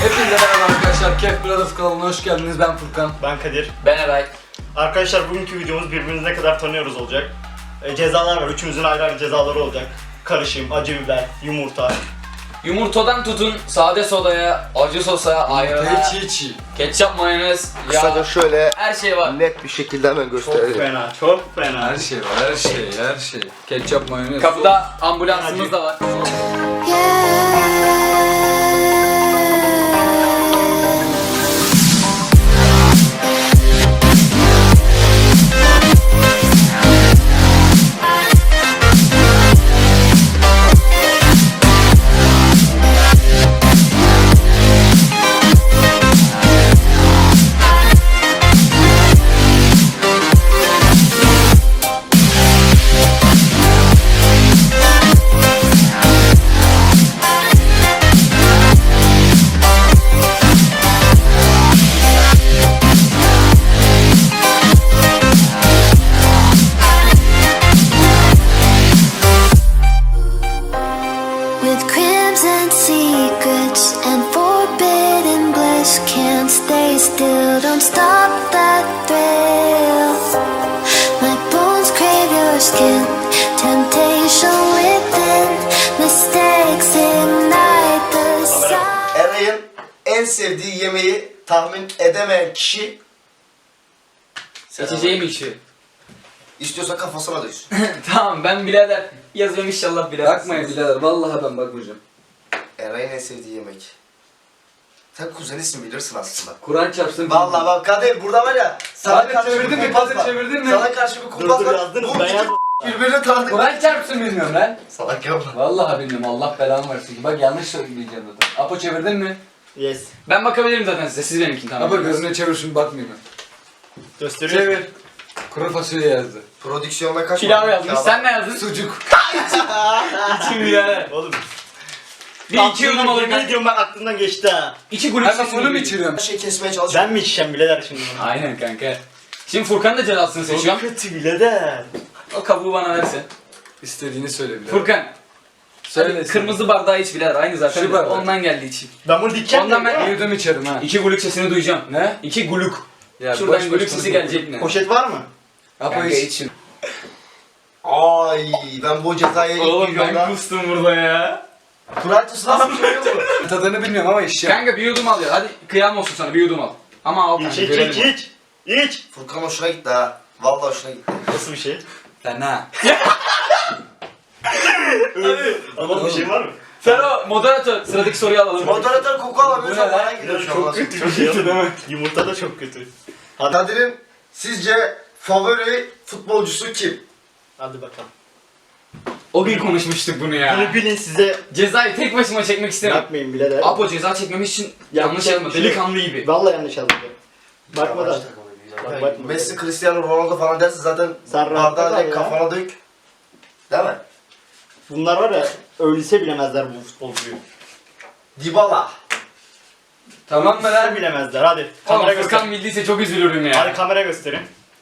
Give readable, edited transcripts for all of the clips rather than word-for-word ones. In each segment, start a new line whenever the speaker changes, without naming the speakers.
Hepinize merhaba arkadaşlar. Kef Brothers kanalına hoş geldiniz. Ben Furkan.
Ben Kadir.
Ben Eray.
Arkadaşlar bugünkü videomuz birbirimizi ne kadar tanıyoruz olacak. Cezalar var. Üçümüzün ayrı ayrı cezaları olacak. Karışım, acı biber, yumurta.
Yumurtadan tutun sade sodaya, acı sosa, ayran'a,
Çiğ.
ketçap, mayonez,
Kısaca
yağ,
şöyle
her şey var.
net bir şekilde hemen
Çok
gösterelim.
fena, çok fena.
Her şey var, her şey. Ketçap, mayonez.
Kapıda ambulansımız da var.
With crimson secrets and forbidden bliss, can't stay still, don't stop that thrill. My bones crave your skin, temptation within, mistakes ignite the sun.
Eray'ın en sevdiği yemeği tahmin edemeyen kişi
İçeceğim içi.
istiyorsa kafasına döksün.
Tamam ben birader yazıyorum inşallah birader.
Bakmayın birader, vallahi ben bakmayacağım.
Eray'ın en sevdiği yemek. Sen kuzenisin bilirsin aslında.
Kur'an çarpsın.
Vallahi bak Kadir burada var ya. Sana
Kadir
karşı
çevirdin
bir
mi?
kumpas
Kadir
var.
çevirdin mi?
Sana karşı bir
Dur
kumpas
dur
var.
yazdınız,
Bu
ben
iki
yazdım.
birbirini tanıdık.
Kur'an çarpsın bilmiyorum lan.
Salak yapma.
Vallahi bilmiyorum, Allah belanı versin. Bak yanlış söyleyeceğim zaten. Apo çevirdin mi?
Yes.
Ben bakabilirim zaten size, siz benimkini tamam.
Apo gözüne çevir şunu, bakmayayım ben.
Gösteriyor.
Çevir. Kuru fasulye yazdı.
Prodüksiyonda kaç
Pilav
var?
yazmış,
Kağıt.
sen ne yazdın?
Sucuk.
İçim birader.
Oğlum.
Bir iki yudum alır
Yemin
kanka.
ediyorum ben aklımdan geçti ha.
İki gülük
Hemen
sesini
bunu mu
duyuyorum.
içiriyorum?
Her şeyi kesmeye çalış.
Ben mi içeceğim bileler şimdi bunu?
Aynen kanka. Şimdi Furkan da cezasını
Çok
seçiyorum.
kötü bileler.
O kabuğu bana versin.
İstediğini söyle birader.
Furkan.
Söyle.
Hadi kırmızı bardağı iç birader, aynı zaten.
Şu bardak.
Ondan geldi içim.
Ben bunu dikeceğim.
Ondan ben-
Bir yudum içerim ha.
İki gülük sesini duyacağım.
Ne?
İki gülük.
Ya
Şuradan
boş
gülük
boş
sesi
konuşma.
gelecek mi?
Poşet var mı?
Apo
Kanka
iç.
iç şimdi.
Ay ben bu cezayı
Oğlum
ilk
ben
videomda...
kustum burada ya.
Kuralcısı nasıl bir şey yok mu?
Tadını bilmiyorum ama içeceğim.
Kanka bir yudum al ya. Hadi kıyam olsun sana, bir yudum al. Ama al
İç
kanka,
iç
görelim
iç
onu.
iç. İç.
Furkan hoşuna gitti ha. Vallahi hoşuna gitti.
Nasıl bir şey?
Fena.
Ama bir şey var mı?
Fero, moderatör, sıradaki soruyu alalım.
Moderatör koku alamıyor.
Bu ne
Çok
lan?
bana gidiyor şu an.
Çok kötü bir şey değil mi? Yumurta da çok kötü.
Kadir'in sizce favori futbolcusu kim?
Hadi bakalım.
O gün konuşmuştuk bunu ya.
Bunu bilin size
Cezayı tek başıma çekmek istemem.
yapmayın bileler.
Apo ceza çekmemiş için yanlış yapma.
şey-
Delikanlı gibi.
Vallahi yanlış yazdım. Bakmadan. Bak, bakma.
Messi, Cristiano Ronaldo falan derse zaten
Sen rahatta
bardağı
kal
direkt
ya.
kafana dök. Değil mi?
Bunlar var ya öylese bilemezler bu futbolcuyu.
Dybala.
Tamam mı
Öylese
lan?
bilemezler hadi.
Oğlum
Kamera
Furkan
gösterin.
bildiyse çok üzülürüm ya.
Hadi kamera gösterin.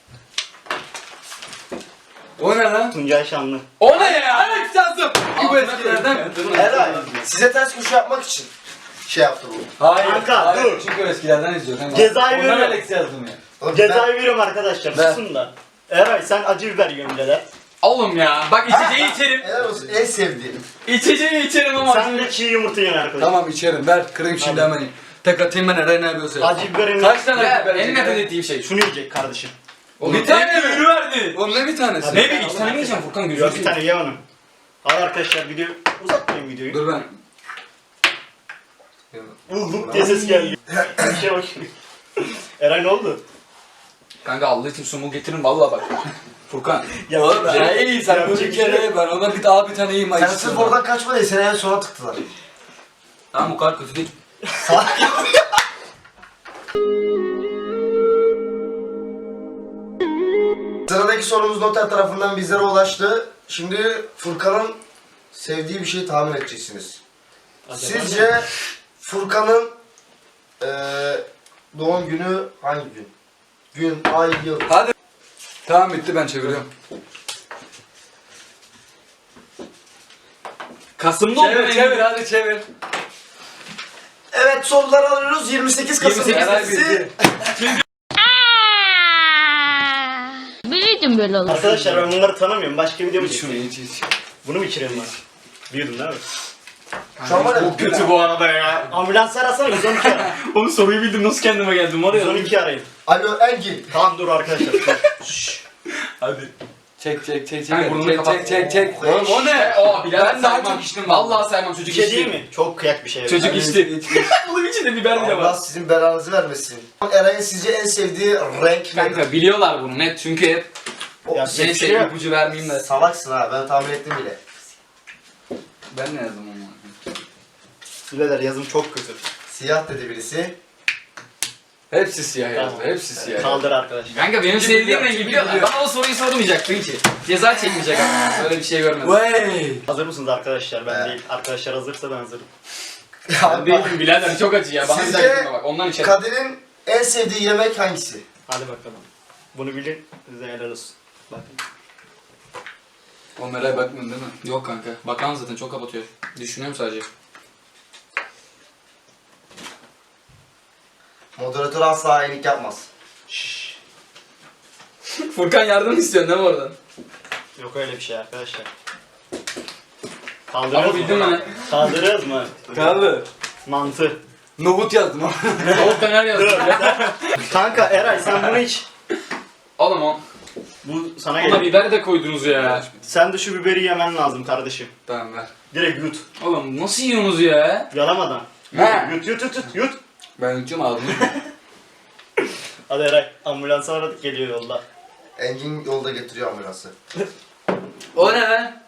O ne lan?
Tuncay Şanlı.
O ne ya? Evet yazdım.
Bu eskilerden.
Eray, size ters köşe yapmak için şey yaptı bu.
Hayır.
Kanka,
hayır.
dur.
Çünkü eskilerden izliyorum. Hemen.
Cezayı
Ondan
veriyorum.
Alex yazdım ya.
Oğlum,
Cezayı veriyorum arkadaşlar
Ver.
susun da. Eray sen acı biber yiyorsun bileler.
Oğlum ya. Bak içeceği içerim.
Helal olsun en sevdiğim.
İçeceği içerim ama.
Sen de çiğ yumurta yiyorsun arkadaşlar.
Tamam içerim. Ver kırayım şimdi
Hadi.
hemen. Tek atayım ben Eray ne yapıyorsa. yap.
Acı biberin
Kaç tane
Ya
biber
en
yiyecek
nefret
ya?
ettiğim şey.
şunu yiyecek kardeşim.
Oğlum
Bir tane
tek mi?
ürünü verdi.
Oğlum ne bir tanesi?
Hadi.
Ne bileyim, iki tane mi yiyeceğim Furkan, gözünü
Yok bir tane ye onu. Hadi arkadaşlar video uzatmayın videoyu.
Dur ben.
Bulduk diye ses geldi. Bir şey bak. Eray ne oldu?
Kanka Allah için sumu getirin vallahi bak. Furkan.
Ya
Oğlum ya iyi sen
Yapacak
bunu bir
bir şey
kere ye, ben ona bir daha bir tane yiyeyim.
Sen sırf oradan kaçma diye seni en sona tıktılar.
Tamam o kadar kötü değil.
Salak ya. Sıradaki sorumuz noter tarafından bizlere ulaştı. Şimdi Furkan'ın sevdiği bir şeyi tahmin edeceksiniz. Sizce Furkan'ın doğum günü hangi gün? Gün, ay, yıl.
Hadi. Tamam bitti, ben çeviriyorum.
Kasım'da oldu
Çevir
benim.
çevir hadi çevir.
Evet soruları alıyoruz. 28 Kasım
28
gecesi.
Biliyordum böyle olur.
Arkadaşlar ben bunları tanımıyorum. Başka video mu
Şunu
çekeyim?
iç.
Bunu mu içireyim ben? Biliyordum değil mi?
Şu an var ya.
Çok kötü bu arada ya.
Ambulans arasana 112 ara.
Onu soruyu bildim nasıl kendime geldim var ya.
112 arayın.
Alo Engin.
Tamam dur arkadaşlar.
Hadi.
Çek çek çek
Hayır,
çek.
burnunu
Çek
kapat.
çek çek çek.
Oğlum,
o ne?
O Bilal
Ben daha
saymam.
çok içtim
Vallahi saymam çocuk
Bir şey
içti.
değil mi? Çok kıyak bir şey.
Çocuk
Evet.
içti. Bunun içinde biber bile
Allah
var.
sizin belanızı vermesin. Eray'ın sizce en sevdiği renk nedir?
Kanka biliyorlar bunu net çünkü hep
O-
Ya,
seni
bir şey
şey
yok.
ipucu vermeyeyim de.
Salaksın ha ben tahmin ettim bile.
Ben ne yazdım onu?
Birader yazım çok kötü.
Siyah dedi birisi.
Hepsi siyah yazdı.
Tamam.
Hepsi siyah yazdı.
Kaldır arkadaşlar.
Kanka benim sevdiğim rengi biliyorlar. Bana o soruyu sormayacaktın ki. Ceza çekmeyecek ama. Böyle bir şey görmedim.
Vay.
Hazır mısınız arkadaşlar? Ben
Evet.
değil. Arkadaşlar hazırsa ben hazırım.
Ben değilim birader çok acı ya. Bana
Sizce
güzel gitme bak. Ondan içerim.
Kadir'in en sevdiği yemek hangisi?
Hadi bakalım. Bunu bilin. Size helal olsun. Bakın.
Onlara bakmıyorsun değil mi?
Yok kanka. Bakan zaten çok kapatıyor. Düşünüyorum sadece.
Moderatör asla hainlik yapmaz.
Şşş.
Furkan yardım istiyorsun değil mi oradan?
Yok öyle bir şey arkadaşlar.
Ama
Kaldırıyoruz
bildin
mu?
mi?
Kaldırıyoruz mu?
Kaldı.
Mantı.
Nohut yazdım ama.
Tavuk döner yazdım.
Kanka Eray sen bunu iç.
Oğlum o.
Bu sana
Ona
geliyor.
biber de koydunuz ya.
Sen de şu biberi yemen lazım kardeşim.
Tamam ver.
Direkt yut.
Oğlum nasıl yiyorsunuz ya?
Yalamadan.
He.
Yut yut yut yut yut.
Ben uçum aldım.
Hadi Eray ambulansı aradık geliyor yolda.
Engin yolda getiriyor ambulansı.
O ne lan?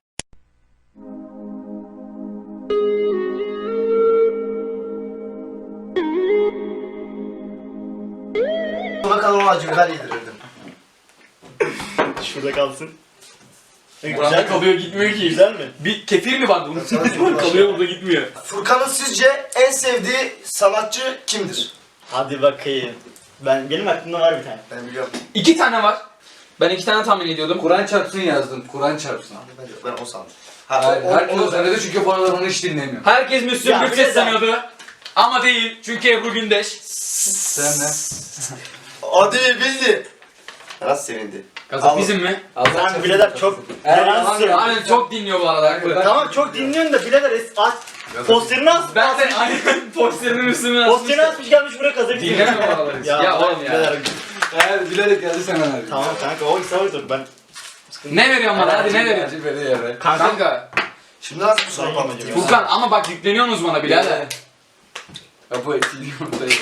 Buna kalan acı biber yedirirdim.
Şurada kalsın.
Buranda kalıyor gitmiyor ki.
Güzel mi?
Bir kefir mi var bunun?
Kalıyor,
kalıyor burada gitmiyor.
Furkan'ın sizce en sevdiği sanatçı kimdir?
Hadi bakayım. Benim aklımda var bir tane.
Ben biliyorum.
2 tane var. Ben 2 tane tahmin ediyordum.
Kur'an çarpsın yazdım. Kur'an çarpsın.
Ben o sandım.
Hayır, herkes o söyledi çünkü bu aralar onu hiç dinlemiyor.
Herkes Müslüm
Ya,
Gürses
bir de-
sanıyordu. Ama değil. Çünkü Ebru Gündeş.
Sen ne?
Hadi bildi. Biraz sevindi.
Gazap bizim mi?
Sen birader çok
Evet,
yalan
tamam,
söylüyorsun.
Aynen çok dinliyor bu arada. hakikaten.
Tamam çok dinliyorsun da birader aç. Posterini as.
Ben de aynen posterini Müslüm'ün
Posterini asmış gelmiş buraya kazık diyor.
Dinleme bu araları. Ya oğlum ya.
birader.
Evet bilerek geldi sen abi.
Tamam kanka o ise oydur ben.
Ne veriyorsun bana? Hadi ne veriyorsun?
Acı veriyor ya.
Kanka.
Şimdi nasıl bir soru
Ben
patlatayım?
yemeyeceğim.
Furkan ama bak yükleniyorsunuz bana birader.
Kapı etini ortaya.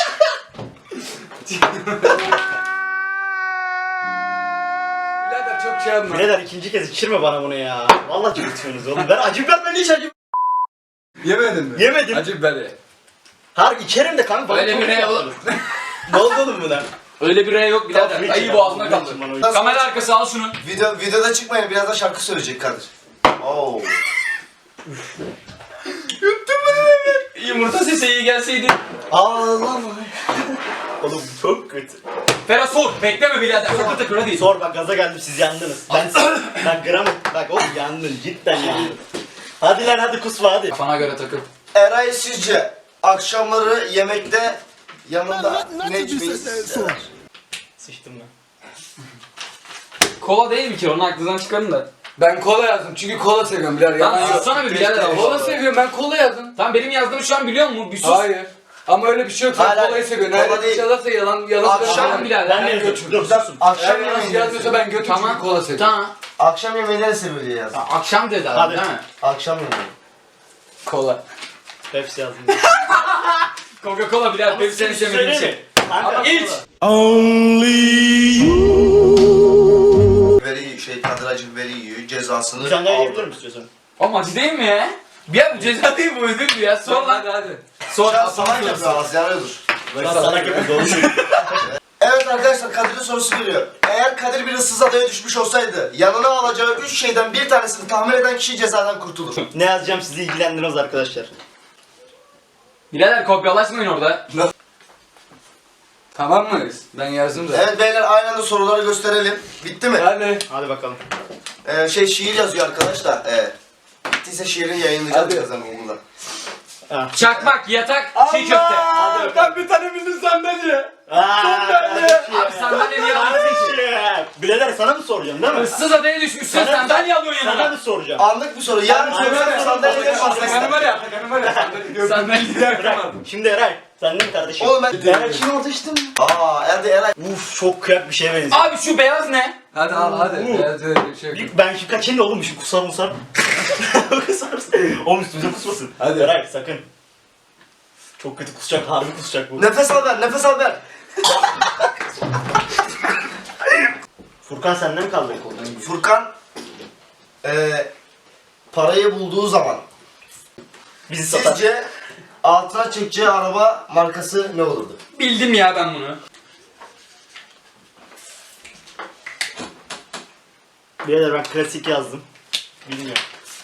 Birader çok şey yapma.
Birader ikinci kez içirme bana bunu ya. Vallahi çok içiyorsunuz oğlum. Ben acı biber ben hiç acı
Yemedin mi?
yemedim.
Acı biber ye.
Har içerim de kanka. bana
Öyle
çok
bir ne
yaptınız. Ne oldu oğlum buna?
Öyle bir rey yok birader.
Tamam,
Ayı
hiç
boğazına
yapma,
kaldı.
hiç yapma, hiç.
Kamera arkası al şunu.
Videoda çıkmayın biraz da şarkı söyleyecek Kadir. Oo.
Yumurta sesi iyi gelseydi.
Ağlama. Oğlum çok kötü.
Ferhat sor. Bekleme birader. Sakın takır hadi.
Sor bak gaza geldim siz yandınız. Ben gram bak oğlum yandın cidden yandın. Hadi lan hadi kusma hadi.
Kafana göre takıl.
Eray sizce akşamları yemekte yanında ne içmeyi sever?
Sıçtım ben.
Kola değil mi ki? Onu aklınızdan çıkarın da.
Ben kola yazdım çünkü kola seviyorum birader.
Lan
Yalan yok.
sussana bir birader.
Kola seviyorum ben kola yazdım.
Tamam benim yazdığımı şu an biliyor musun? Bir sus.
Hayır. Ama öyle bir şey yok. Sen
Hayır,
kolayı seviyorsun.
kola
Eğer bir
değil.
şey yazarsa yalan
Akşam
Tamam birader.
Ben ne yazıyorum? Dur susun.
Akşam
Eğer yalan
yemeğini
yazmıyorsa ben götür
Tamam.
çünkü kola seviyorum.
Tamam.
Akşam yemeğini ne seviyor diye yazdım.
Akşam dedi abi
Hadi.
değil mi?
Akşam yemeği.
Kola.
Hepsi yazdım.
Coca-Cola birader. Benim seni sevmediğim şey. Ama iç.
Kadir acı biberi yiyor cezasını
Bir tane daha
aldı.
yiyebilir misin istiyorsan?
Oğlum acı değil mi ya? Bir ya bu ceza değil bu ödül mü ya? Sor lan.
hadi.
Sor.
Şu an salak yapıyor az yanıyordur.
Ben salak yapayım doğru söylüyorum.
Evet arkadaşlar Kadir'in sorusu geliyor. Eğer Kadir bir ıssız adaya düşmüş olsaydı yanına alacağı 3 şeyden bir tanesini tahmin eden kişi cezadan kurtulur.
Ne yazacağım sizi ilgilendirmez arkadaşlar.
Birader kopyalaşmayın orada.
Tamam mıyız? Ben yazdım zaten.
Evet beyler aynı anda soruları gösterelim. Bitti mi?
Hadi.
Hadi bakalım.
Şiir yazıyor arkadaş da. Bittiyse şiirin yayınlayacağız
Hadi.
birazdan Google'da.
Ha.
Çakmak, yatak, çiğ köfte.
Allah! Ben bir tane bildim sandalye.
Abi sandalye niye alıyorsun ki?
Birader sana mı soracağım değil mi?
Issız adaya düşmüşsün sandalye alıyorsun
Sana
yanına.
mı soracağım?
Anlık bir soru. Yarın söylesem sandalyeleri
Atakan'ı var ya, Atakan'ı var ya, sandalyeyi yakamadım.
Şimdi Eray, sen de mi kardeşim?
Oğlum ben...
Eray kim orada içtim?
Hadi Eray.
Uf çok kıyak bir şeye benziyor.
Abi şu beyaz ne?
Hadi al hadi. Biraz öyle bir şey yok.
Ben şu kaçayım da oğlum şu kusar musar. Kusarsın. Oğlum üstümüze kusmasın.
Hadi.
Eray sakın. Çok kötü kusacak, harbi kusacak bu.
Nefes al ver, nefes al ver.
Furkan senden mi kaldı koldan?
Furkan parayı bulduğu zaman
Bizi satar.
sizce altına çekeceği araba markası ne olurdu?
Bildim ya ben bunu.
Birader ben klasik yazdım. Bilmiyorum.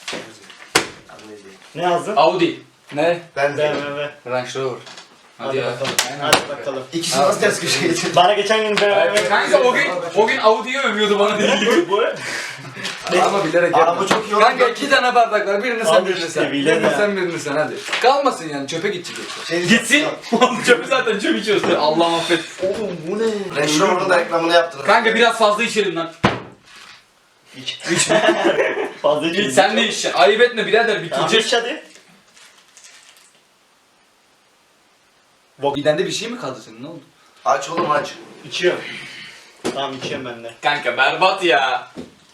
Ne yazdın?
Audi.
Ne?
Ben de.
BMW.
Range Rover.
Hadi
ya.
bakalım.
Aynen.
Hadi bakalım.
İkisi nasıl ters köşeye getirdi?
Bana geçen gün BMW.
Kanka o gün Audi'yi övüyordu bana deli.
Bu.
Ama bilerek
Araba
yapma.
çok iyi oldu.
Kanka 2 tane bardak var. Birini sen
Al
birini
işte,
sen.
bilen
Birini
ya.
sen birini sen hadi. Kalmasın yani çöpe gidecek yoksa.
Şey
Gitsin. Çöpü zaten çöp içiyorsun. Allah affet.
Oğlum bu ne?
Range Rover'ın da reklamını yaptınız.
Kanka biraz fazla içelim lan.
İç. Fazla içelim.
Sen de içeceksin. Ayıp etme birader
Tamam
bitirecek.
iç hadi.
Midende bir şey mi kaldı senin ne oldu?
Aç oğlum aç.
İçiyorum. Tamam içiyorum ben de.
Kanka berbat ya.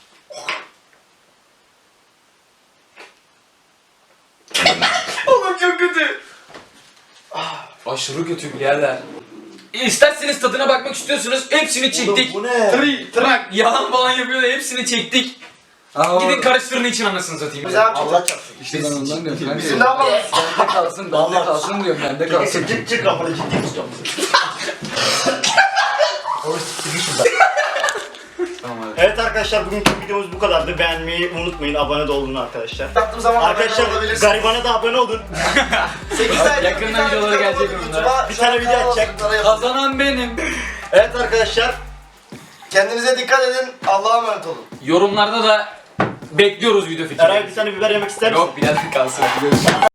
Oğlum çok kötü. Aşırı kötü birader. İsterseniz tadına bakmak istiyorsunuz hepsini çektik.
Bu ne?
Bak yalan falan yapıyor da hepsini çektik. Gidin karıştırın için anasını satayım.
Biz abi
Allah çarpsın.
İşte ben ondan diyorum kanka.
Biz ne yapalım?
Bende kalsın, bende
Vallahi-
kalsın diyorum, bende kalsın.
Çık kafanı ciddi tutacağım.
Tamam hadi.
Evet arkadaşlar bugünkü videomuz bu kadardı. Beğenmeyi unutmayın. Abone de olun arkadaşlar.
Yaptığım zaman
Arkadaşlar
olabilirsin.
garibana da abone olun.
8 ay
Yakında videoları gelecek bunlar.
Bir tane video atacak.
Kazanan benim.
Evet arkadaşlar.
Kendinize dikkat edin. Allah'a emanet olun.
Yorumlarda da bekliyoruz video fikri.
Eray bir tane biber yemek ister misin?
Yok birader kalsın.